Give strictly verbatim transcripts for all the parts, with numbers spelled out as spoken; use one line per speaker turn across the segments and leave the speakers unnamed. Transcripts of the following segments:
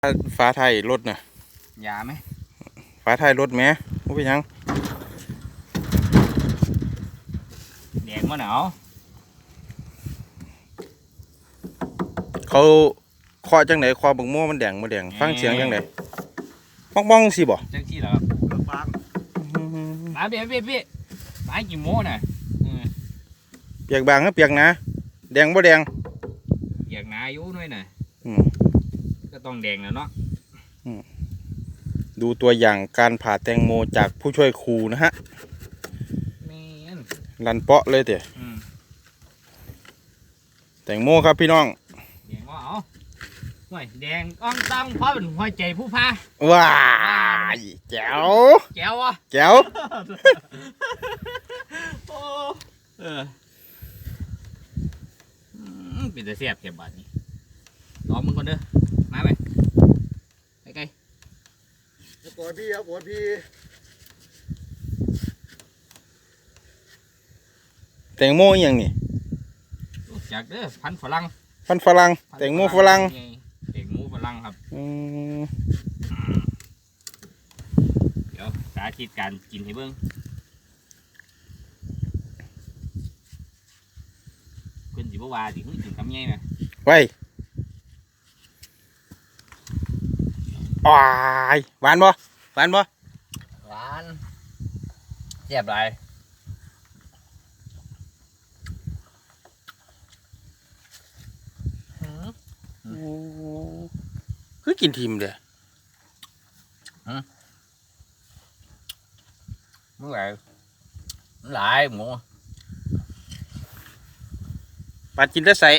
ฟ้าไทยรถน่ะ
ยาไหม
ฟ้าไทยรถแม่ไม่เป็นยัง
แดงมะหนาว
เขาเคาะจังไหนคอบังโม่มันแดงมาแดงฟังเสียงจังไหนบ้องบ้องสิบ่
จังที่เหรอฟังมาเบี้ยเบี้ยเบี้ยไม้กี่โม่น่ะ
เปียกบางก็เปียกนะแดงบ่แดง
เปียกหนาอยู่ด้วยน่ะก็ต้องแดงแล้วเนาะ
ดูตัวอย่างการผ่าแตงโมจากผู้ช่วยครูนะฮะลันเปาะเลยเต๋อแตงโมครับพี่น้อง
แดงว่าเอาห่วยแดงอ่องต้องเพราะเป็นหัวใจผู้พา
ว้ายแจ๋ว
แจ๋ววะ
แจ๋ว
โอ้เออเป็นแต่เสียบเก็บบาทนี้รอมึงคนเด้อมาไหมไกล
ปวดพี่ครับปวดพี่
แตงโมอย่างนี้
จากเด้อพันฝรั่ง
พันฝรั่งแตงโมฝรั่ง
แตงโมฝรั่งครับเดี๋ยวสาธิตการกินให้เบิ้งเพิ่นสิบ่ว่าสิเพิ่งกินคำใหญ่น่ะ
ไว้อ้ายหวานบ่หวานบ่
หวานแซ่บหลาย
คือกินทิมเด้อ
มึงหลายหลายหมู
ปาดกินได้ใส่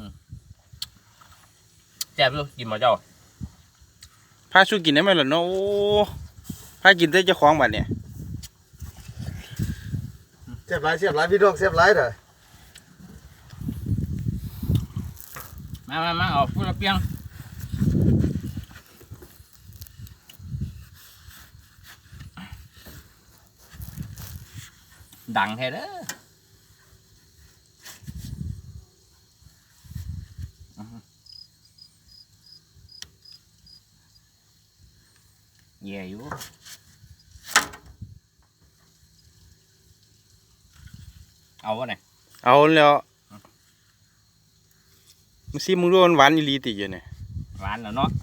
แซ่บอยู่กินมาเจ้า
พาสู้กินได้ไหมล่ะเนาะพากินได้เจ้าของบัดเนี่ย
เสียบไรเสียบไรพี่ดอกเสียบไรเถอะ
มามามาเอาพูดละเปียงดังแท้เด้อแย่อยู่เอาวะเนี่ย
เอาแล้วมึงซิมึงรู้มันหวานอีหลีติอยู่เนี่ย
หวานแล้วเนาะ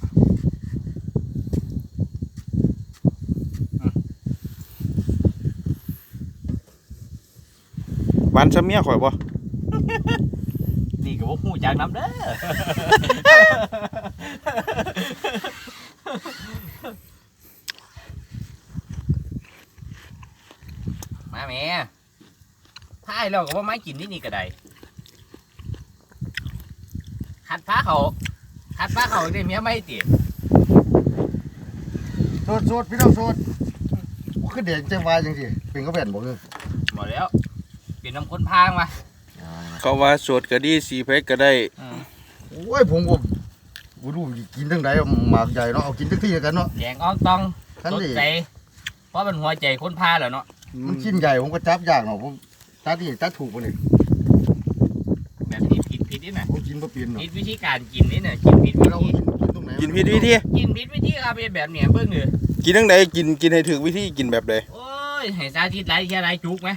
หวานซะเมียข่อยบ่
นี่ก็บ่ฮู้จักน้ำเด้อมาแม่พายเราก็ว่าไม้กินที่นี่ก็ได้ขัดฟ้าเขาขัดฟ้าเขาได้เมียไม่ตี
โสดโสดพี่น้องโสดคือเด็กเจ้าวายจังสิเป็นก็แผ่นบอกเลย
หมดแล้วเป็นน้ำข้นพางมา
เขาว่าสดก็ดีสีเพชรก็ได้
โอ้ยผมก็กูดูกินทั้งใดหมากใหญ่เนาะเอากินทั้งที่กันเนาะ
แดงอ่องตองสดใจเพราะมันหัวใจข้นพาแล้วเนาะ
มันชิ้นใหญ่ผมก็จับยากเนาะผมตัดที่ตัดถูกไปเลย
แบบนี้ผิดผิดนี่นะ
ผมกินบ่เปลี่ยนเนาะ
ผิดวิธีการกินนี่นะกินผิดวิธี
กินผิดวิธี
กินผิดวิธีครับเป็นแบบเนี้ยเบิ่งเลย
กินทั้งใดกินกินให้ถึงวิธีกินแบบใด
โอ้ยให้สาธิตไรแค่ไรจุกไหม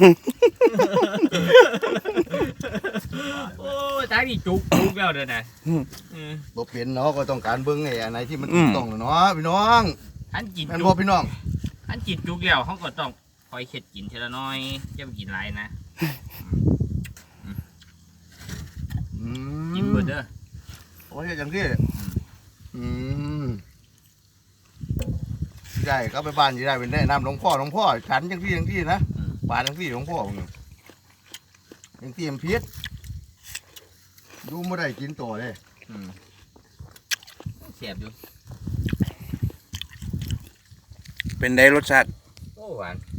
โอ้ยสาธิตจุกจุกแล้วเด้อนะ
บ่เปลี่ยนเนาะก็ต้องการเบิ่งไอ้อันไหนที่มันถูกต้องเนาะพี่น้อง
อันกิน
มันบ่พี่น้อง
อันกินจุกแล้วเขาก็ต้องคอยเข็ดกินทีละน้อยจะไปกินไรนะกินเบิดเด้อ
โอ้ยอย่างที่อืมได้ก็ไปบ้านยี่ได้เป็นได้นำหลวงพ่อหลวงพ่อฉันอย่างที่อย่างที่นะบ้านอย่างที่หลวงพ่ออย่างที่มันพิษดูไม่ได้กินต่อเลย
เสียบอยู่
เป็นได้รสชาติ
โอ้หวาน